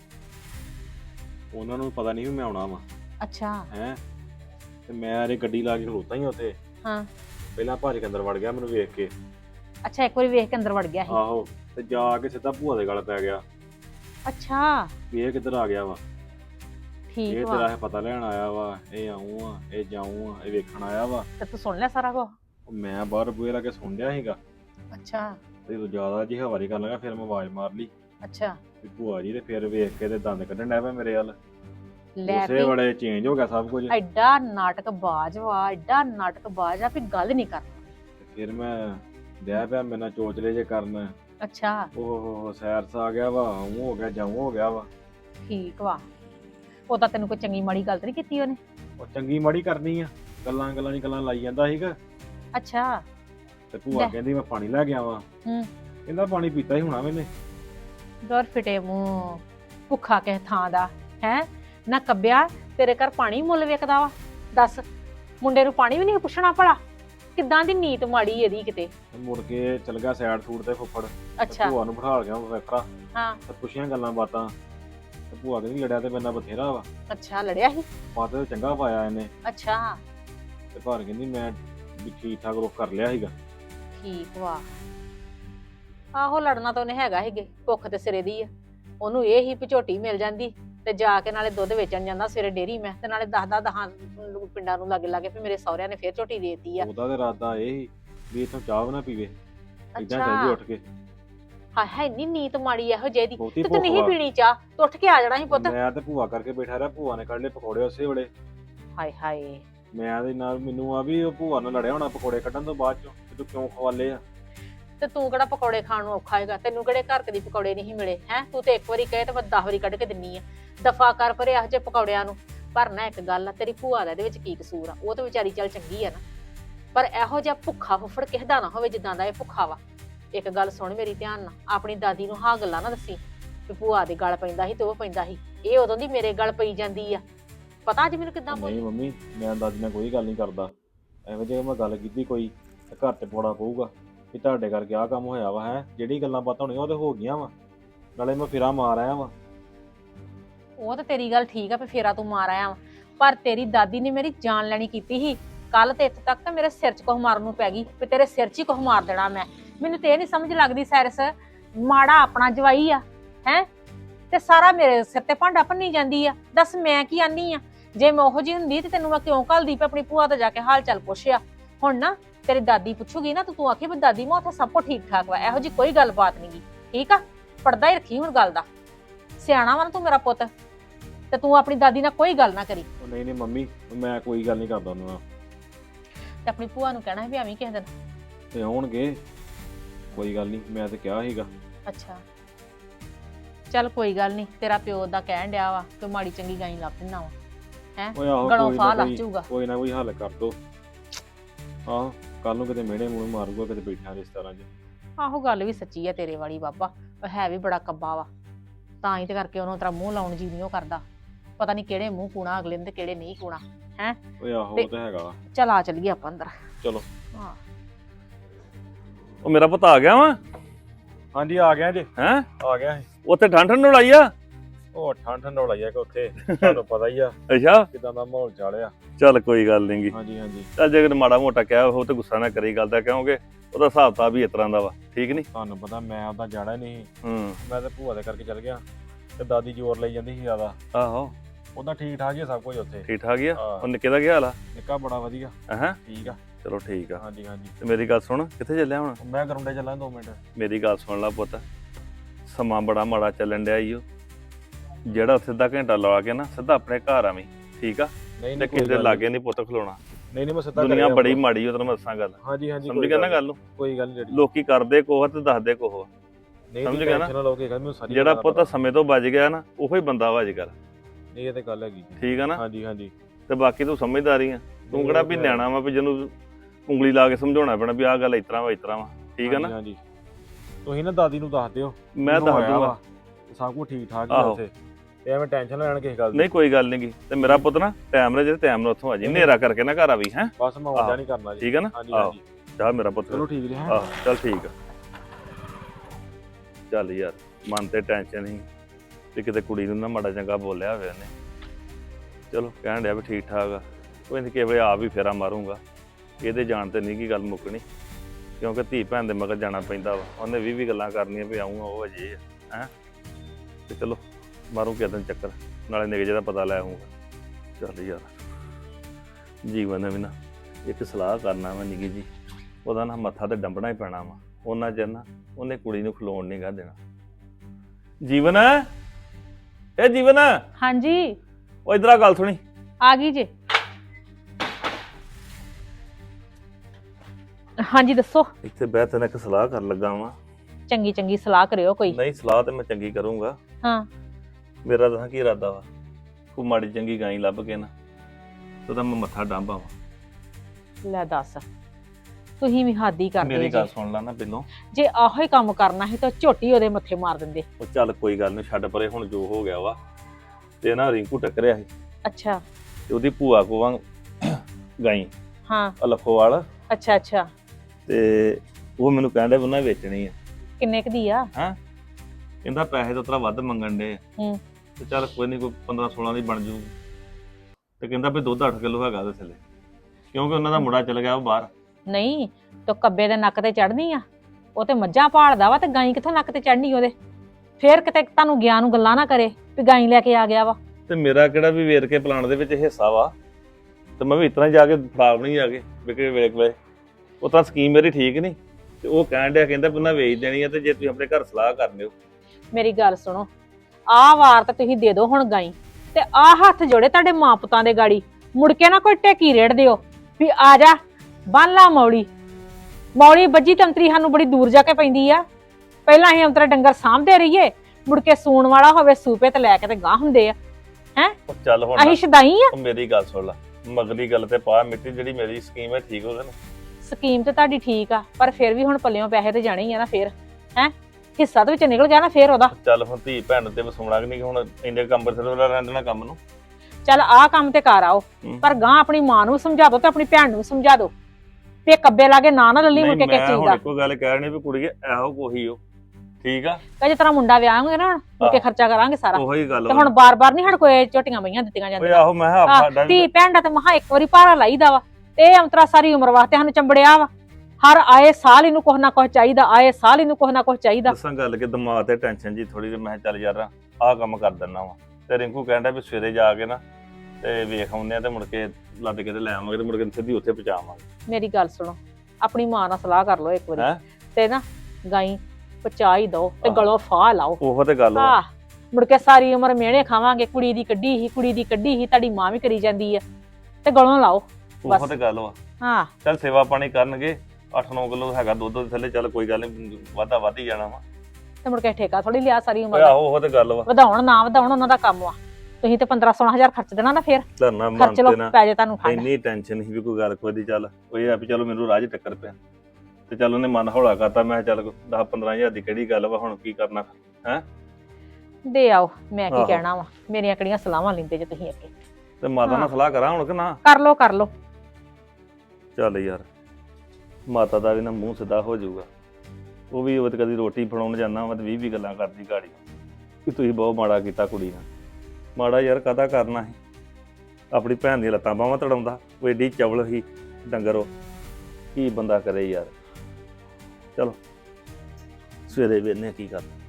Speaker 4: ਉਹਨਾਂ ਨੂੰ ਪਤਾ ਨਹੀਂ ਵੀ ਮੈਂ ਆਉਣਾ ਵਾ
Speaker 2: ਅੱਛਾ
Speaker 4: ਹੈ। ਤੇ ਮੈਂ ਅਰੇ ਗੱਡੀ ਲਾ ਕੇ ਖਲੋਤਾ ਹੀ ਉੱਥੇ।
Speaker 2: ਹਾਂ
Speaker 4: ਪਹਿਲਾਂ ਭੱਜ ਕੇ ਅੰਦਰ ਵੜ ਗਿਆ ਮੈਨੂੰ ਵੇਖ ਕੇ।
Speaker 2: ਅੱਛਾ ਇੱਕ ਵਾਰੀ ਵੇਖ ਕੇ ਅੰਦਰ ਵੜ ਗਿਆ ਸੀ।
Speaker 4: ਆਹੋ ਤੇ ਜਾ ਕੇ ਸਿੱਧਾ ਭੂਆ ਦੇ ਗਲ ਪੈ ਗਿਆ
Speaker 2: ਅੱਛਾ
Speaker 4: ਵੀ ਇਹ ਕਿੱਧਰ ਆ ਗਿਆ ਵਾ।
Speaker 2: ਠੀਕ
Speaker 4: ਇਹ
Speaker 2: ਵਾ
Speaker 4: ਤੇਰਾ ਇਹ ਪਤਾ ਲੈਣ ਆਇਆ ਵਾ। ਇਹ ਆਉਂ ਆ ਇਹ ਜਾਉਂ ਆ ਇਹ ਵੇਖਣ ਆਇਆ ਵਾ।
Speaker 2: ਤੇ ਤੂੰ ਸੁਣ ਲਿਆ ਸਾਰਾ ਕੁਝ?
Speaker 4: ਉਹ ਮੈਂ ਬਾਹਰ ਬੂਹੇ ਲਾ ਕੇ ਸੁਣ ਲਿਆ ਸੀਗਾ
Speaker 2: ਅੱਛਾ
Speaker 4: ਤੇ ਜਦੋਂ ਜ਼ਿਆਦਾ ਜੀ ਹਵਾਰੀ ਕਰਨ ਲੱਗਾ ਫਿਰ ਮੈਂ ਆਵਾਜ਼ ਮਾਰ ਲਈ
Speaker 2: ਅੱਛਾ
Speaker 4: ਵੀ ਭੂਆ ਜੀ। ਤੇ ਫਿਰ ਵੇਖ ਕੇ ਤੇ ਦੰਦ ਕੱਢਣ ਡਿਆ ਪਿਆ ਮੇਰੇ ਵੱਲ।
Speaker 2: ਲੈ
Speaker 4: ਉਸੇ
Speaker 2: ਵੀ
Speaker 4: ਵੇਲੇ ਚੇਂਜ ਹੋ ਗਿਆ ਸਭ ਕੁਝ।
Speaker 2: ਐਡਾ ਨਾਟਕ ਬਾਜ ਵਾ ਐਡਾ ਨਾਟਕ ਬਾਜ ਆ ਵੀ ਗੱਲ ਨਹੀਂ ਕਰ।
Speaker 4: ਫਿਰ ਮੈਂ ਡਿਆ ਪਿਆ ਮੇਰੇ ਨਾਲ ਚੋਚਲੇ ਜੇ ਕਰਨ।
Speaker 2: ਅੱਛਾ
Speaker 4: ਉਹ ਸੈਰਸ ਆ ਗਿਆ ਵਾ ਉਹ ਹੋ ਗਿਆ ਜਾਉਂ ਹੋ ਗਿਆ ਵਾ।
Speaker 2: ਠੀਕ ਵਾ। ਉਹ ਤਾਂ ਤੈਨੂੰ ਕੋਈ ਚੰਗੀ ਮਾੜੀ ਗੱਲ ਤਾਂ ਨਹੀਂ ਕੀਤੀ ਉਹਨੇ?
Speaker 4: ਉਹ ਚੰਗੀ ਮਾੜੀ ਕਰਨੀ ਆ ਗੱਲਾਂ ਗੱਲਾਂ ਦੀ ਗੱਲਾਂ ਲਾਈ ਜਾਂਦਾ ਸੀਗਾ।
Speaker 2: ਅੱਛਾ
Speaker 4: ਤੇ ਭੂਆ
Speaker 2: ਲੈ।
Speaker 4: ਕਹਿੰਦੀ ਮੈਂ ਪਾਣੀ ਲੈ ਗਿਆ ਵਾਂ।
Speaker 2: ਹੂੰ
Speaker 4: ਕਹਿੰਦਾ ਪਾਣੀ ਪੀਤਾ ਹੀ ਹੋਣਾ ਮੈਨੇ।
Speaker 2: ਦਰ ਫਿਟੇ ਮੂੰਹ ਭੁੱਖਾ ਕਿਸੇ ਥਾਂ ਦਾ ਹੈ ਨਾ ਕੱਬਿਆ। ਤੇਰੇ ਘਰ ਪਾਣੀ ਮੁੱਲ ਵਿਕਦਾ ਵਾ? ਦੱਸ ਮੁੰਡੇ ਨੂੰ ਪਾਣੀ ਵੀ ਨਹੀਂ ਪੁੱਛਣਾ ਭਲਾ? ਕਿੱਦਾਂ ਦੀ ਨੀਤ ਮਾੜੀ ਇਹਦੀ ਕਿਤੇ।
Speaker 4: ਤੇ ਮੁੜ ਕੇ ਚਲ ਗਿਆ ਸਾਈਡ ਸੂਟ ਤੇ ਫੁੱਫੜ। ਤੇ
Speaker 2: ਅੱਛਾ
Speaker 4: ਭੂਆ ਨੂੰ ਬਿਠਾ ਗਿਆ ਵੇਖਾ
Speaker 2: ਹਾਂ
Speaker 4: ਤੇ ਪੁੱਛੀਆਂ ਗੱਲਾਂ ਬਾਤਾਂ। ਤੇ ਭੂਆ ਕਹਿੰਦੀ ਲੜਿਆ ਤੇ ਮੇਰੇ ਨਾਲ ਬਥੇਰਾ ਵਾ।
Speaker 2: ਅੱਛਾ ਲੜਿਆ ਸੀ?
Speaker 4: ਮਾਤੇ ਤੇ ਚੰਗਾ ਪਾਇਆ ਇਹਨੇ।
Speaker 2: ਅੱਛਾ
Speaker 4: ਤੇ ਭਾਰ ਕਹਿੰਦੀ ਮੈਂ ਵੀ ਠੀਕ ਠਾਕ ਰੁੱਖ ਕਰ ਲਿਆ ਸੀਗਾ।
Speaker 2: ਠੀਕ ਵਾ। ਆਹੋ ਲੜਨਾ ਤਾਂ ਉਹਨੇ ਹੈਗਾ ਸੀਗੇ ਭੁੱਖ ਤੇ ਸਿਰੇ ਦੀ ਆ। ਉਹਨੂੰ ਇਹ ਹੀ ਝੋਟੀ ਮਿਲ ਜਾਂਦੀ ਤੇ ਜਾ ਕੇ ਨਾਲੇ ਦੁੱਧ ਵੇਚਣ ਜਾਂਦਾ ਸਵੇਰੇ ਡੇਰੀ ਮੈਂ ਤੇ ਨਾਲੇ ਦਸ ਦਸ ਦਹਾਂ ਪਿੰਡਾਂ ਨੂੰ ਲਾਗੇ ਲਾਗੇ ਫਿਰ ਮੇਰੇ ਸਹੁਰਿਆਂ ਨੇ ਫੇਰ ਝੋਟੀ ਦੇ ਦਿੱਤੀ ਆ।
Speaker 4: ਉਹਦਾ ਤੇ ਇਰਾਦਾ ਇਹ ਸੀ ਵੀ ਇੱਥੋਂ ਚਾਹ ਵੀ ਨਾ ਪੀਵੇ ਇਦਾਂ
Speaker 2: ਅੱਛਾ।
Speaker 4: ਚੱਲ ਜੀ ਉੱਠ ਕੇ।
Speaker 2: ਹਾਏ ਹਾਏ ਇੰਨੀ ਨੀਤ ਮਾੜੀ ਇਹੋ ਜਿਹੀ ਦੀ।
Speaker 4: ਬਹੁਤੀ
Speaker 2: ਤੇ ਤੂੰ ਨਹੀਂ
Speaker 4: ਭੁੱਖ ਵਾ।
Speaker 2: ਪੀਣੀ ਚਾਹ ਤੂੰ ਉੱਠ ਕੇ ਆ ਜਾਣਾ ਸੀ ਪੁੱਤ।
Speaker 4: ਮੈਂ ਤੇ ਭੂਆ ਕਰਕੇ ਬੈਠਾ ਰਿਹਾ। ਭੂਆ ਨੇ ਕੱਢ ਲਏ ਪਕੌੜੇ ਉਸੇ ਵੇਲੇ।
Speaker 2: ਹਾਏ ਹਾਏ
Speaker 4: ਮੈਂ ਦੇ ਨਾਲ ਮੈਨੂੰ ਆ ਵੀ ਉਹ ਭੂਆ ਨਾਲ ਲੜਿਆ ਹੋਣਾ ਪਕੌੜੇ ਕੱਢਣ ਤੋਂ ਬਾਅਦ ਚੋਂ ਕਿ ਤੂੰ ਕਿਉਂ ਖਵਾਲੇ ਆ।
Speaker 2: ਤੇ ਤੂੰ ਕਿਹੜਾ ਪਕੌੜੇ ਖਾਣ ਨੂੰ ਔਖਾ ਹੈਗਾ? ਤੈਨੂੰ ਕਿਹੜੇ ਘਰ ਕਦੀ ਪਕੌੜੇ ਨਹੀਂ ਮਿਲੇ ਹੈ? ਤੂੰ ਤੇ ਇੱਕ ਵਾਰੀ ਕਹੇ ਤੇ ਮੈਂ ਦਸ ਵਾਰੀ ਕੱਢ ਕੇ ਦਿੰਨੀ ਆ। ਦਫਾ ਕਰ ਪਰੇ ਇਹੋ ਜਿਹੇ ਪਕੌੜਿਆਂ ਨੂੰ। ਪਰ ਨਾ ਇੱਕ ਗੱਲ ਆ ਤੇਰੀ ਭੂਆ ਦਾ ਇਹਦੇ ਵਿੱਚ ਕੀ ਕਸੂਰ ਆ? ਉਹ ਤਾਂ ਵਿਚਾਰੀ ਚੱਲ ਚੰਗੀ ਆ ਨਾ। ਪਰ ਇਹੋ ਜਿਹਾ ਭੁੱਖਾ ਫੁੱਫੜ ਕਿਸੇ ਦਾ ਨਾ ਹੋਵੇ ਜਿੱਦਾਂ ਦਾ ਇਹ ਭੁੱਖਾ ਵਾ। ਇੱਕ ਗੱਲ ਸੁਣ ਮੇਰੀ ਧਿਆਨ ਨਾਲ ਆਪਣੀ ਦਾਦੀ ਨੂੰ ਹਾਂ ਗੱਲਾਂ ਨਾ ਦੱਸੀ ਵੀ ਭੂਆ ਦੇ ਗਲ ਪੈਂਦਾ ਸੀ ਤੇ ਉਹ ਪੈਂਦਾ ਸੀ। ਇਹ ਉਦੋਂ ਦੀ ਮੇਰੇ ਗਲ ਪਈ ਜਾਂਦੀ ਆ। ਪਤਾ ਅੱਜ ਮੈਨੂੰ ਕਿੱਦਾਂ ਬੋਲੀ?
Speaker 4: ਨਹੀਂ ਮੰਮੀ ਮੈਂ ਦਾਦੀ ਨਾਲ ਕੋਈ ਗੱਲ ਨਹੀਂ ਕਰਦਾ। ਐਵੇਂ ਜੇ ਮੈਂ ਗੱਲ ਕੀਤੀ ਕੋਈ ਤੇ ਘਰ ਤੇ ਪੌੜਾ ਪਊਗਾ ਵੀ ਤੁਹਾਡੇ ਕਰਕੇ ਆਹ ਕੰਮ ਹੋਇਆ ਵਾ। ਹੈ ਜਿਹੜੀ ਗੱਲਾਂ ਬਾਤਾਂ ਹੋਣੀਆਂ ਉਹ ਤੇ ਹੋ ਗਈਆਂ ਵਾ। ਨਾਲੇ ਮੈਂ ਫਿਰਾ ਮਾਰ ਆਇਆ ਵਾ।
Speaker 5: ਉਹ ਤਾਂ ਤੇਰੀ ਗੱਲ ਠੀਕ ਆ ਵੀ ਫੇਰਾ ਤੂੰ ਮਾਰ ਆਇਆ ਵਾ, ਪਰ ਤੇਰੀ ਦਾਦੀ ਨੇ ਮੇਰੀ ਜਾਨ ਲੈਣੀ ਕੀਤੀ ਸੀ। ਕੱਲ ਤੇ ਇੱਥੇ ਤੱਕ ਮੇਰੇ ਸਿਰ 'ਚ ਕੁਝ ਮਾਰਨ ਨੂੰ ਪੈ ਗਈ ਵੀ ਤੇਰੇ ਸਿਰ 'ਚ ਹੀ ਕੁਝ ਮਾਰ ਦੇਣਾ ਮੈਂ। ਮੈਨੂੰ ਤੇ ਇਹ ਨਹੀਂ ਸਮਝ ਲੱਗਦੀ ਸੈਰਸ, ਮਾੜਾ ਆਪਣਾ ਜਵਾਈ ਆ ਹੈ ਤੇ ਸਾਰਾ ਮੇਰੇ ਸਿਰ ਤੇ ਭਾਂਡਾ ਭੰਨੀ ਜਾਂਦੀ ਆ। ਦੱਸ ਮੈਂ ਕੀ ਆਨੀ ਆ? ਜੇ ਮੈਂ ਉਹੋ ਜਿਹੀ ਹੁੰਦੀ ਤੇ ਤੈਨੂੰ ਮੈਂ ਕਿਉਂ ਘੱਲਦੀ ਪਈ ਆਪਣੀ ਭੂਆ ਤੋਂ ਜਾ ਕੇ ਹਾਲ ਚਾਲ ਪੁੱਛਿਆ। ਹੁਣ ਨਾ ਤੇਰੀ ਦਾਦੀ ਪੁੱਛੂਗੀ ਨਾ ਤੂੰ ਆਖੀ ਵੀ ਦਾਦੀ ਮੈਂ ਉੱਥੇ ਸਭ ਕੁਝ ਠੀਕ ਠਾਕ ਵਾ, ਇਹੋ ਜਿਹੀ ਕੋਈ ਗੱਲਬਾਤ ਨਹੀਂਗੀ। ਠੀਕ ਆ, ਪਰਦਾ ਹੀ ਰੱਖੀ ਹੁਣ ਗੱਲ ਦਾ। ਸਿਆਣਾ ਵਾ ਨਾ ਤੂੰ ਮੇਰਾ ਪੁੱਤ, ਤੇ ਤੂੰ ਆਪਣੀ ਦਾਦੀ ਨਾਲ ਕੋਈ ਗੱਲ ਨਾ ਕਰੀ।
Speaker 4: ਉਹ ਨਹੀਂ ਨਹੀਂ ਮੰਮੀ, ਮੈਂ ਕੋਈ ਗੱਲ ਨਹੀਂ ਕਰਦਾ ਉਹਨਾਂ ਨਾਲ।
Speaker 5: ਤੇ ਆਪਣੀ ਭੂਆ ਨੂੰ ਕਹਿਣਾ ਵੀ ਐਵੇਂ ਕਿਸੇ ਦਿਨ।
Speaker 4: ਤੇ ਆਉਣਗੇ, ਕੋਈ ਗੱਲ ਨਹੀਂ, ਮੈਂ ਤੇ ਕਿਹਾ ਸੀਗਾ।
Speaker 5: ਅੱਛਾ ਚੱਲ ਕੋਈ ਗੱਲ ਨਹੀਂ, ਤੇਰਾ ਪਿਓ ਦਾ ਕਹਿਣ ਡਿਆ ਵਾ ਕਿ ਮਾੜੀ ਚੰਗੀ ਗਾਈ ਲੱਭ ਦਿੰਨਾ ਵਾ ਹੈ,
Speaker 4: ਓਏ ਆਹੋ
Speaker 5: ਗਲੋਂ
Speaker 4: ਕੋਈ
Speaker 5: ਫਾਹ
Speaker 4: ਨਾ
Speaker 5: ਲੱਗ
Speaker 4: ਕੋਈ
Speaker 5: ਜਾਊਗਾ।
Speaker 4: ਕੋਈ ਨਾ ਕੋਈ ਹੱਲ ਕਰ ਦੋ। ਆਹੋ ਕੱਲ ਨੂੰ ਕਿਤੇ ਮਿਹਣੇ ਮੂੰਹ ਮਾਰੂਗਾ ਕਿਤੇ ਬੈਠਿਆਂ ਰਿਸ਼ਤੇਦਾਰਾਂ 'ਚ।
Speaker 5: ਆਹੋ ਗੱਲ ਵੀ ਸੱਚੀ ਆ ਤੇਰੇ ਵਾਲੀ ਬਾਬਾ, ਉਹ ਹੈ ਵੀ ਬੜਾ ਕੱਬਾ ਵਾ, ਤਾਂ ਹੀ ਤੇ ਕਰਕੇ ਉਹਨੂੰ ਤੇਰਾ ਮੂੰਹ ਲਾਉਣ ਜੀ ਨਹੀਂ ਉਹ ਕਰਦਾ। ਪਤਾ ਨਹੀਂ ਕਿਹੜੇ ਮੂੰਹ ਕੂਣਾ ਅਗਲੇ ਨੂੰ ਤੇ ਕਿਹੜੇ ਨਹੀਂ ਕੂਣਾ ਹੈ।
Speaker 4: ਓਏ ਆਹੋ
Speaker 5: ਤੇ-
Speaker 4: ਉਹ ਤਾਂ ਹੈਗਾ।
Speaker 5: ਚੱਲ ਆ ਚੱਲੀਏ ਆਪਾਂ ਅੰਦਰ।
Speaker 4: ਚਲੋ।
Speaker 5: ਹਾਂ
Speaker 6: ਉਹ ਮੇਰਾ ਪੁੱਤ ਆ ਗਿਆ ਵਾ
Speaker 4: ਹਾਂਜੀ ਆ ਗਿਆ ਜੀ,
Speaker 6: ਹੈ
Speaker 4: ਆ ਗਿਆ ਸੀ।
Speaker 6: ਉੱਥੇ ਠੰਡ ਠੰਡ ਲਾਈ ਆ।
Speaker 4: ਉਹ ਠੰਡ ਠੰਡੋਲਾ ਜਿਹਾ ਕਿ ਉੱਥੇ ਤੁਹਾਨੂੰ ਪਤਾ ਹੀ ਆ
Speaker 6: ਅੱਛਾ
Speaker 4: ਕਿਦਾਂ ਦਾ ਮਾਹੌਲ ਚਾਲਿਆ।
Speaker 6: ਚੱਲ ਕੋਈ ਗੱਲ ਨਹੀਂਗੀ।
Speaker 4: ਹਾਂਜੀ ਹਾਂਜੀ
Speaker 6: ਚੱਲ ਜੇ ਮਾੜਾ ਮੋਟਾ ਕਿਹਾ ਉਹ ਤੇ ਗੁੱਸਾ ਨਾ ਕਰੀ ਗੱਲ ਦਾ, ਕਿਉਂਕਿ ਉਹਦਾ ਹਿਸਾਬ ਕਿਤਾਬ ਹੀ ਇਸ ਤਰ੍ਹਾਂ ਦਾ ਵਾ। ਠੀਕ ਨਹੀਂ।
Speaker 4: ਤੁਹਾਨੂੰ ਪਤਾ ਮੈਂ ਉਹਦਾ ਜਾਣਾ ਹੀ ਨਹੀਂ ਸੀ।
Speaker 6: ਹੂੰ
Speaker 4: ਮੈਂ ਤਾਂ ਭੂਆ ਦੇ ਕਰਕੇ ਚੱਲ ਗਿਆ ਤੇ ਦਾਦੀ ਜ਼ੋਰ ਲਈ ਜਾਂਦੀ ਸੀ ਜ਼ਿਆਦਾ।
Speaker 6: ਆਹੋ
Speaker 4: ਉਹਦਾ ਠੀਕ ਠਾਕ ਹੀ ਆ ਸਭ ਕੁਝ ਉੱਥੇ।
Speaker 6: ਠੀਕ ਠਾਕ ਹੀ ਆ।
Speaker 4: ਹਾਂ।
Speaker 6: ਉਹ ਨਿੱਕੇ ਦਾ ਕੀ ਹਾਲ ਆ?
Speaker 4: ਨਿੱਕਾ ਬੜਾ ਵਧੀਆ
Speaker 6: ਹਾਂ
Speaker 4: ਠੀਕ ਆ।
Speaker 6: ਚਲੋ ਠੀਕ ਆ।
Speaker 4: ਹਾਂਜੀ ਹਾਂਜੀ
Speaker 6: ਤੇ ਮੇਰੀ ਗੱਲ ਸੁਣ, ਕਿੱਥੇ ਚੱਲਿਆ ਹੁਣ?
Speaker 4: ਮੈਂ ਗਰਾਉਂਡੇ ਚੱਲਾਂ ਦੋ ਮਿੰਟ।
Speaker 6: ਮੇਰੀ ਗੱਲ ਸੁਣ ਲੈ ਪੁੱਤ, ਸਮਾਂ ਬੜਾ ਮਾੜਾ ਚੱਲਣ ਡਿਆ ਈ ਓ। ਜਿਹੜਾ ਉੱਥੇ ਦਾ ਘੰਟਾ ਲਾ ਕੇ ਨਾ ਸਿੱਧਾ ਆਪਣੇ ਘਰ ਆਵੀਂ। ਠੀਕ ਆ,
Speaker 4: ਨਹੀਂ
Speaker 6: ਤੇ
Speaker 4: ਨਹੀਂ
Speaker 6: ਕਿਸੇ ਦੇ ਲਾਗੇ ਨਹੀਂ ਪੁੱਤ ਖਲੋਣਾ।
Speaker 4: ਨਹੀਂ ਨਹੀਂ ਮੈਂ ਸਿੱਧਾ
Speaker 6: ਦੁਨੀਆ
Speaker 4: ਘਰੇ
Speaker 6: ਬੜੀ
Speaker 4: ਆਊਂਗਾ।
Speaker 6: ਮਾੜੀ ਓ, ਤੈਨੂੰ ਮੈਂ ਦੱਸਾਂ ਗੱਲ।
Speaker 4: ਹਾਂਜੀ ਹਾਂਜੀ
Speaker 6: ਸਮਝ ਗਿਆ ਨਾ ਗੱਲ ਨੂੰ?
Speaker 4: ਕੋਈ ਗੱਲ ਨਹੀਂ।
Speaker 6: ਲੋਕੀ ਕਰਦੇ ਕੋਹ ਤੇ ਦੱਸਦੇ ਕੋਹ।
Speaker 4: ਨਹੀਂ
Speaker 6: ਸਮਝ
Speaker 4: ਸਮਝ
Speaker 6: ਗਿਆ ਨਾ?
Speaker 4: ਨਾ ਲੋਕੇ ਗੱਲ ਮੈਨੂੰ ਸਾਰੀ
Speaker 6: ਜਿਹੜਾ
Speaker 4: ਗੱਲ
Speaker 6: ਪੁੱਤ
Speaker 4: ਪਤਾ।
Speaker 6: ਸਮੇਂ ਤੋਂ ਬਚ ਗਿਆ ਨਾ ਉਹੋ ਹੀ ਬੰਦਾ ਵਾ ਅੱਜ ਕੱਲ੍ਹ।
Speaker 4: ਇਹ ਤੇ ਗੱਲ ਹੈਗੀ ਜੀ।
Speaker 6: ਠੀਕ ਆ ਨਾ?
Speaker 4: ਹਾਂਜੀ ਹਾਂਜੀ
Speaker 6: ਤੇ ਬਾਕੀ ਤੂੰ ਸਮਝਦਾਰੀ ਆ। ਤੂੰ ਕਿਹੜਾ ਵੀ ਨਿਆਣਾ ਵਾ ਵੀ ਜਿਹਨੂੰ ਉਂਗਲੀ ਲਾ ਕੇ ਸਮਝਾਉਣਾ ਪੈਣਾ ਵੀ ਆਹ ਗੱਲ ਇਸ ਤਰ੍ਹਾਂ ਵਾ ਇਸ ਤਰ੍ਹਾਂ ਵਾ। ਠੀਕ ਆ ਨਾ?
Speaker 4: ਹਾਂਜੀ ਤੁਸੀਂ ਨਾ ਦਾਦੀ ਨੂੰ ਦੱਸ ਦਿਓ
Speaker 6: ਮੈਂ
Speaker 4: ਉਹਨੂੰ
Speaker 6: ਦੱਸ
Speaker 4: ਆਇਆ
Speaker 6: ਦੂੰਗਾ।
Speaker 4: ਵਾ, ਸਭ ਕੁਝ ਠੀਕ ਠਾਕ ਹੀ ਆ
Speaker 6: ਆਹੋ।
Speaker 4: ਉੱਥੇ। ਤੇ ਐਵੇਂ ਟੈਨਸ਼ਨ ਲੈਣ ਕਿਸੇ ਗੱਲ ਦੀ।
Speaker 6: ਨਹੀਂ ਕੋਈ ਗੱਲ ਨਹੀਂਗੀ। ਤੇ ਮੇਰਾ ਪੁੱਤ ਨਾ ਟਾਈਮ ਨਾਲ ਜੇ ਟਾਈਮ ਨਾਲ ਉੱਥੋਂ ਆ ਜੀ, ਹਨੇਰਾ ਕਰਕੇ ਨਾ ਘਰ ਆਵੀਂ। ਹੈ
Speaker 4: ਬਸ ਮੈਂ
Speaker 6: ਆਹੋ।
Speaker 4: ਉਦਾਂ ਨਹੀਂ ਕਰਨਾ ਜੀ।
Speaker 6: ਠੀਕ ਆ ਨਾ?
Speaker 4: ਹਾਂਜੀ
Speaker 6: ਆਹੋ
Speaker 4: ਹਾਂਜੀ
Speaker 6: ਜਾ ਮੇਰਾ ਪੁੱਤ।
Speaker 4: ਚਲੋ ਠੀਕ ਜੀ।
Speaker 6: ਆਹੋ ਚੱਲ ਠੀਕ ਆ। ਚੱਲ ਯਾਰ ਮਨ ਤੇ ਟੈਨਸ਼ਨ ਨਹੀਂ ਤੇ ਕਿਤੇ ਕੁੜੀ ਨੂੰ ਨਾ ਮਾੜਾ ਚੰਗਾ ਬੋਲਿਆ ਹੋਵੇ ਉਹਨੇ। ਚਲੋ ਕਹਿਣ ਡਿਆ ਵੀ ਠੀਕ ਠਾਕ ਆ। ਕੋਈ ਨਹੀਂ, ਕਿਸੇ ਵੇਲੇ ਆਪ ਹੀ ਫੇਰਾ ਮਾਰੂੰਗਾ। ਇਹਦੇ ਜਾਣ ਤੇ ਨਹੀਂ ਕੀ ਗੱਲ ਮੁੱਕਣੀ, ਕਿਉਂਕਿ ਧੀ ਭੈਣ ਦੇ ਮਗਰ ਜਾਣਾ ਪੈਂਦਾ ਵਾ। ਉਹਨੇ ਵੀਹ ਵੀਹ ਗੱਲਾਂ ਕਰਨੀਆਂ ਵੀ ਆਊਂਗਾ ਉਹ ਅਜੇ ਆ ਹੈ। ਤੇ ਚਲੋ ਮਾਰੂ ਕਿਸੇ ਦਿਨ ਚੱਕਰ, ਨਾਲੇ ਨਿੱਕੇ ਜਿਹੇ ਦਾ ਪਤਾ ਲੈ ਆਊਂਗਾ। ਚੱਲ ਯਾਰ ਜੀਵਨ ਨੇ ਵੀ ਨਾ ਇੱਕ ਸਲਾਹ ਕਰਨਾ ਵਾ ਨਿੱਕੀ ਜੀ, ਉਹਦਾ ਨਾ ਮੱਥਾ ਤੇ ਡੰਬਣਾ ਹੀ ਪੈਣਾ ਵਾ। ਉਹਨਾਂ ਚਿਰ ਨਾ ਉਹਨੇ ਕੁੜੀ ਨੂੰ ਖਲੋਣ ਨਹੀਂ ਗਾ ਦੇਣਾ। ਜੀਵਨ, ਇਹ ਜੀਵਨ,
Speaker 5: ਹਾਂਜੀ
Speaker 6: ਉਹ ਇਧਰ ਆ ਗੱਲ ਸੁਣੀ।
Speaker 5: ਆ ਗਈ ਜੇ। ਹਾਂਜੀ ਦੱਸੋ।
Speaker 6: ਇੱਥੇ ਬਹਿ ਤੈਨੂੰ ਇੱਕ ਸਲਾਹ ਕਰਨ ਲੱਗਾ ਵਾਂ।
Speaker 5: ਚੰਗੀ ਚੰਗੀ ਸਲਾਹ ਕਰਿਓ ਕੋਈ।
Speaker 6: ਨਹੀਂ ਸਲਾਹ ਤੇ ਮੈਂ ਚੰਗੀ ਕਰੂੰਗਾ।
Speaker 5: ਹਾਂ
Speaker 6: ਮੇਰਾ ਤਾਂ ਕੀ ਇਰਾਦਾ ਵਾ, ਕੋਈ ਮਾੜੀ ਚੰਗੀ ਗਾਈ ਲੱਭ ਕੇ ਨਾ ਤੇ ਉਹਦਾ ਮੈਂ ਮੱਥਾ ਡਾਂਬਾਂ ਵਾ।
Speaker 5: ਲੈ ਦੱਸ, ਤੁਸੀਂ ਵੀ ਹੱਦ ਹੀ ਕਰਦੇ
Speaker 6: ਮੇਰੀ ਗੱਲ
Speaker 5: ਜੇ।
Speaker 6: ਸੁਣ ਲਾ ਨਾ ਪਹਿਲੋਂ।
Speaker 5: ਜੇ ਆਹੋ ਹੀ ਕੰਮ ਕਰਨਾ ਸੀ ਤਾਂ ਝੋਟੀ ਉਹਦੇ ਮੱਥੇ ਮਾਰ ਦਿੰਦੇ।
Speaker 6: ਉਹ ਚੱਲ ਕੋਈ ਗੱਲ ਨਹੀਂ, ਛੱਡ ਪਰੇ ਹੁਣ ਜੋ ਹੋ ਗਿਆ ਵਾ। ਤੇ ਨਾ ਰਿੰਕੂ ਟੱਕਰਿਆ ਸੀ
Speaker 5: ਅੱਛਾ
Speaker 6: ਤੇ ਉਹਦੀ ਭੂਆ ਕੋਲ ਗਾਈ
Speaker 5: ਹਾਂ
Speaker 6: ਅਲਫੋਵਾਲ,
Speaker 5: ਅੱਛਾ ਅੱਛਾ।
Speaker 6: ਤੇ ਉਹ ਮੈਨੂੰ ਕਹਿੰਦੇ ਉਹਨਾਂ ਵੇਚਣੀ ਆ।
Speaker 5: ਕਿੰਨੇ ਕੁ ਦੀ ਆ?
Speaker 6: ਕਹਿੰਦਾ ਪੈਸੇ ਤਾਂ ਤੇਰਾ ਵੱਧ ਮੰਗਣ ਦੇ।
Speaker 5: ਹੂੰ।
Speaker 6: ਤੇ ਚੱਲ ਕੋਈ ਨਹੀਂ, ਕੋਈ ਪੰਦਰਾਂ ਸੋਲਾਂ ਦੀ ਬਣ ਜੂਗੀ। ਤੇ ਕਹਿੰਦਾ ਵੀ ਦੁੱਧ ਅੱਠ ਕਿਲੋ ਹੈਗਾ ਉਹਦੇ ਥੱਲੇ, ਕਿਉਂਕਿ ਉਹਨਾਂ ਦਾ ਮੁੰਡਾ ਚਲ ਗਿਆ ਉਹ ਬਾਹਰ।
Speaker 5: ਨਹੀਂ ਤੋ ਕੱਬੇ ਦੇ ਨੱਕ ਤੇ ਚੜਨੀ ਆ। ਉਹ ਤੇ ਮੱਝਾਂ ਭਾਲਦਾ ਵਾ ਤੇ ਗਾਈ ਕਿੱਥੋਂ ਨੱਕ ਤੇ ਚੜਨੀ ਉਹਦੇ। ਫੇਰ ਕਿਤੇ ਤੁਹਾਨੂੰ ਗਿਆ ਨੂੰ ਗੱਲਾਂ ਨਾ ਕਰੇ ਵੀ ਗਾਈ ਲੈ ਕੇ ਆ ਗਿਆ ਵਾ।
Speaker 6: ਤੇ ਮੇਰਾ ਕਿਹੜਾ ਵੀ ਵੇਰ ਕੇ ਪਲਾਨ ਦੇ ਵਿੱਚ ਹਿੱਸਾ ਵਾ, ਤੇ ਮੈਂ ਵੀ ਇਤਨਾ ਜਾ ਕੇ ਫੜਾਵ ਨਹੀਂ ਜਾ ਕੇ ਵਿਕੇ ਵੇਖ ਵੇ। ਉਹ ਤਾਂ ਸਕੀਮ ਮੇਰੀ ਠੀਕ ਨਹੀਂ। ਤੇ ਉਹ ਕਹਿਣ ਡਿਆ ਕਹਿੰਦਾ ਵੀ ਉਹਨਾਂ ਵੇਚ ਦੇਣੀ ਆ, ਤੇ ਜੇ ਤੁਸੀਂ ਆਪਣੇ ਘਰ ਸਲਾਹ ਕਰ ਲਿਓ।
Speaker 5: ਮੇਰੀ ਗੱਲ ਸੁਣੋ, ਆਹ ਵਾਰ ਤਾਂ ਤੁਸੀਂ ਦੇ ਦਿਓ ਹੁਣ ਗਾਈ, ਤੇ ਆਹ ਹੱਥ ਜੋੜੇ ਤੁਹਾਡੇ ਮਾਂ ਪੁੱਤਾਂ ਦੇ ਗਾੜੀ। ਮੁੜ ਕੇ ਨਾ ਕੋਈ ਟੇਕੀ ਰੇੜ ਦਿਓ ਵੀ ਆ ਜਾ ਬੰਨ ਲਾ ਮੌੜੀ। ਮੌੜੀ ਬੱਜੀ ਤੰਤਰੀ ਸਾਨੂੰ ਬੜੀ ਦੂਰ ਜਾ ਕੇ ਪੈਂਦੀ ਆ। ਪਹਿਲਾਂ ਅਸੀਂ ਅੰਤਰੇ ਡੰਗਰ ਸਾਂਭਦੇ ਰਹੀਏ, ਮੁੜ ਕੇ ਸੂਣ ਵਾਲਾ ਹੋਵੇ ਸੂਪੇ ਤੇ ਲੈ ਕੇ ਤੇ ਗਾਹ ਹੁੰਦੇ ਆ।
Speaker 6: ਉਹ ਚੱਲ ਹੁਣ
Speaker 5: ਅਸੀਂ ਸ਼ਦਾਈ ਆ।
Speaker 6: ਉਹ ਮੇਰੀ ਗੱਲ ਸੁਣ ਲਾ, ਮਗਲੀ ਗੱਲ ਤੇ ਪਾ ਮਿੱਟੀ। ਜਿਹੜੀ ਮੇਰੀ ਸਕੀਮ ਹੈ ਠੀਕ ਹੋ ਗਈ ਨਾ।
Speaker 5: ਸਕੀਮ ਤੇ ਤੁਹਾਡੀ ਠੀਕ ਆ, ਪਰ ਫਿਰ ਵੀ ਹੁਣ ਪੱਲਿਓਂ ਪੈਸੇ ਤੇ ਜਾਣੇ ਹੀ ਆ ਨਾ। ਫੇਰ ਹੈ ਹਿੱਸਾ ਦੇ ਵਿੱਚ ਨਿਕਲ ਗਿਆ ਨਾ ਫੇਰ ਉਹਦਾ।
Speaker 6: ਚੱਲ ਹੁਣ ਧੀ ਭੈਣ ਤੇ ਵਸਾਉਣਾ ਕਿ ਨਹੀਂ, ਹੁਣ ਇੰਨੇ ਕੰਮ ਬਰਸਲ ਵਾਲਾ ਰਹਿੰਦਣਾ ਕੰਮ ਨੂੰ।
Speaker 5: ਚੱਲ ਆਹ ਕੰਮ ਤੇ ਕਰ ਆਓ,
Speaker 6: ਹੂੰ।
Speaker 5: ਪਰ ਗਾਂ ਆਪਣੀ ਮਾਂ ਨੂੰ ਸਮਝਾ ਦੋ ਤੇ ਆਪਣੀ ਭੈਣ ਨੂੰ ਸਮਝਾ ਦੋ ਵੀ ਇਹ ਕੱਬੇ ਲਾ ਕੇ ਨਾ ਨਾ ਲੱਲੀ ਮੁੜ ਕੇ
Speaker 6: ਨਹੀਂ
Speaker 5: ਕਿਸ
Speaker 6: ਮੈਂ
Speaker 5: ਚੀਜ਼
Speaker 6: ਹੁਣ
Speaker 5: ਦਾ।
Speaker 6: ਇੱਕੋ ਗੱਲ ਕਹਿ ਰਹੀ ਵੀ ਕੁੜੀਏ ਇਹੋ ਕੋਹੀ ਉਹ ਠੀਕ ਆ
Speaker 5: ਕਹੇ ਜੇ ਤੇਰਾ ਮੁੰਡਾ ਵਿਆਹਾਂਗੇ ਨਾ ਹੁਣ ਮੁੜ ਕੇ
Speaker 6: ਆਹ।
Speaker 5: ਖਰਚਾ ਕਰਾਂਗੇ ਸਾਰਾ
Speaker 6: ਉਹੀ ਗੱਲ
Speaker 5: ਤੇ
Speaker 6: ਵਾ।
Speaker 5: ਹੁਣ ਬਾਰ-ਬਾਰ ਨਹੀਂ ਸਾਡੇ ਕੋਈ ਝੋਟੀਆਂ ਪਈਆਂ ਦਿੱਤੀਆਂ
Speaker 6: ਓਏ
Speaker 5: ਜਾਂਦੀਆਂ
Speaker 6: ਆਹੋ ਮੈਂ ਕਿਹਾ
Speaker 5: ਆਹ,
Speaker 6: ਸਾਡਾ ਵੀ
Speaker 5: ਧੀ ਭੈਣ ਦਾ ਤੇ ਮਹਾ ਇੱਕ ਵਾਰੀ ਭਾਰਾ ਲਾਈਦਾ ਵਾ ਤੇ ਇਹ ਅੰਤਰਾ ਸਾਰੀ ਉਮਰ ਵਾਸਤੇ ਸਾਨੂੰ ਚੰਬੜਿਆ ਵਾ ਹਰ ਆਏ ਸਾਲ ਇਹਨੂੰ ਕੁਛ ਨਾ ਕੁਛ ਚਾਹੀਦਾ ਆਏ ਸਾਲ ਇਹਨੂੰ ਕੁਛ ਨਾ ਕੁਛ ਚਾਹੀਦਾ
Speaker 6: ਦੱਸਾਂ ਗੱਲ ਕਿ ਦਿਮਾਗ ਤੇ ਟੈਨਸ਼ਨ ਜੀ ਥੋੜੀ ਜਿਹੀ ਮੈਂ ਕਿਹਾ ਚੱਲ ਯਾਰ ਆਹ ਕੰਮ ਕਰ ਦਿੰਨਾ ਵਾ ਤੇ ਰਿੰਕੂ ਕਹਿੰਦਾ ਵੀ ਸਵੇਰੇ ਜਾ ਕੇ ਨਾ ਤੇ ਵੇਖ ਆਉਂਦੇ ਆ ਤੇ ਮੁੜ ਕੇ ਲੱਦ ਕੇ ਤੇ ਲੈ ਆਵਾਂਗੇ ਤੇ ਮੁੜ ਕੇ ਸਿੱਧੀ ਉੱਥੇ ਪਹੁੰਚਾਵਾਂਗੇ
Speaker 5: ਮੇਰੀ ਗੱਲ ਸੁਣੋ ਆਪਣੀ ਮਾਂ ਨਾਲ ਸਲਾਹ ਕਰ ਲਓ ਇੱਕ ਵਾਰੀ
Speaker 6: ਹੈਂ?
Speaker 5: ਤੇ ਨਾ ਗਾਈ ਪਚਾ ਹੀ ਦੋ ਤੇ
Speaker 6: ਆਹ।
Speaker 5: ਗਲੋਂ ਫਾਹ ਲਾਓ
Speaker 6: ਉਹੋ ਤੇ ਗੱਲ ਵਾ
Speaker 5: ਆਹ ਮੁੜ ਕੇ ਸਾਰੀ ਉਮਰ ਮਿਹਣੇ ਖਾਵਾਂਗੇ ਕੁੜੀ ਦੀ ਕੱਢੀ ਹੀ ਕੁੜੀ ਦੀ ਕੱਢੀ ਹੀ ਤੁਹਾਡੀ ਮਾਂ ਵੀ ਕਰੀ ਜਾਂਦੀ ਆ ਤੇ ਗਲੋਂ ਲਾਓ
Speaker 6: ਉਹੋ
Speaker 5: ਬਸ।
Speaker 6: ਤੇ ਗੱਲ ਵਾ
Speaker 5: ਹਾਂ
Speaker 6: ਚੱਲ ਸੇਵਾ ਪਾਣੀ ਕਰਨਗੇ ਅੱਠ ਨੌ ਕਿਲੋ ਹੈਗਾ ਦੁੱਧ ਦੇ ਥੱਲੇ ਚੱਲ ਕੋਈ ਗੱਲ ਨਹੀਂ ਵਾਧਾ ਵੱਧ ਹੀ ਜਾਣਾ ਵਾ
Speaker 5: ਤੇ ਮੁੜ ਕੇ ਠੇਕਾ ਥੋੜੀ ਲਿਆ ਸਾਰੀ ਉਮਰ
Speaker 6: ਓਏ
Speaker 5: ਦਾ
Speaker 6: ਆਹੋ ਉਹੋ ਤੇ ਗੱਲ ਵਾ
Speaker 5: ਵਧਾਉਣ ਨਾ ਵਧਾਉਣ ਉਹਨਾਂ ਦਾ ਕੰਮ ਆ ਤੁਸੀਂ ਤੇ ਪੰਦਰਾਂ ਸੋਲਾਂ ਹਜ਼ਾਰ ਖਰਚ ਦੇਣਾ ਨਾ ਫੇਰ
Speaker 6: ਧਰਨਾ ਮਨ
Speaker 5: ਖਰਚ ਲੋ
Speaker 6: ਤੇ ਨਾ
Speaker 5: ਪੈ ਜੇ ਤੁਹਾਨੂੰ ਠੰਡ
Speaker 6: ਇੰਨੀ ਟੈਨਸ਼ਨ ਸੀ ਵੀ ਕੋਈ ਗੱਲ ਕੋਈ ਦੀ ਚੱਲ ਉਹ ਇਹ ਆ ਵੀ ਚਲੋ ਮੈਨੂੰ ਰਾਜ ਟੱਕਰ ਪਿਆ ਤੇ ਚੱਲ ਉਹਨੇ ਮਨ ਹੌਲਾ ਕਰਤਾ ਮੈਂ ਕਿਹਾ ਚੱਲ ਦਸ ਪੰਦਰਾਂ ਹਜ਼ਾਰ ਦੀ ਕਿਹੜੀ ਗੱਲ ਵਾ ਹੁਣ ਕੀ ਕਰਨਾ
Speaker 5: ਦੇ ਆਓ ਮੈਂ ਕੀ
Speaker 6: ਆਹੋ।
Speaker 5: ਕਹਿਣਾ ਵਾ ਮੇਰੀਆਂ ਕਿਹੜੀਆਂ ਸਲਾਹਾਂ ਲੈਂਦੇ ਜੇ ਤੁਸੀਂ ਅੱਗੇ
Speaker 6: ਤੇ ਮਾਤਾ
Speaker 5: ਹਾਂ।
Speaker 6: ਨਾਲ ਸਲਾਹ ਕਰਾਂ ਹੁਣ ਕਿ ਨਾ
Speaker 5: ਕਰ ਲੋ ਕਰ ਲੋ
Speaker 6: ਚੱਲ ਯਾਰ ਮਾਤਾ ਦਾ ਵੀ ਨਾ ਮੂੰਹ ਸਿੱਧਾ ਹੋ ਜਾਊਗਾ ਉਹ ਵੀ ਉਹ ਤੇ ਕਦੀ ਰੋਟੀ ਫੜਾਉਣ ਜਾਂਦਾ ਵਾ ਤੇ ਵੀਹ ਵੀਹ ਗੱਲਾਂ ਕਰਦੀ ਗਾੜੀ ਕਿ ਤੁਸੀਂ ਬਹੁਤ ਮਾੜਾ ਕੀਤਾ ਕੁੜੀ ਨਾਲ ਮਾੜਾ ਯਾਰ ਕਾਹਦਾ ਕਰਨਾ ਸੀ ਆਪਣੀ ਭੈਣ ਦੀਆਂ ਲੱਤਾਂ ਬਾਹਾਂ ਤੜਾਉਂਦਾ ਉਹ ਏਡੀ ਚਵਲ ਸੀ ਡੰਗਰ ਉਹ ਕੀ ਬੰਦਾ ਕਰੇ ਯਾਰ ਚਲੋ ਸਵੇਰੇ ਵੇਖਦੇ ਹਾਂ ਕੀ ਕਰਨਾ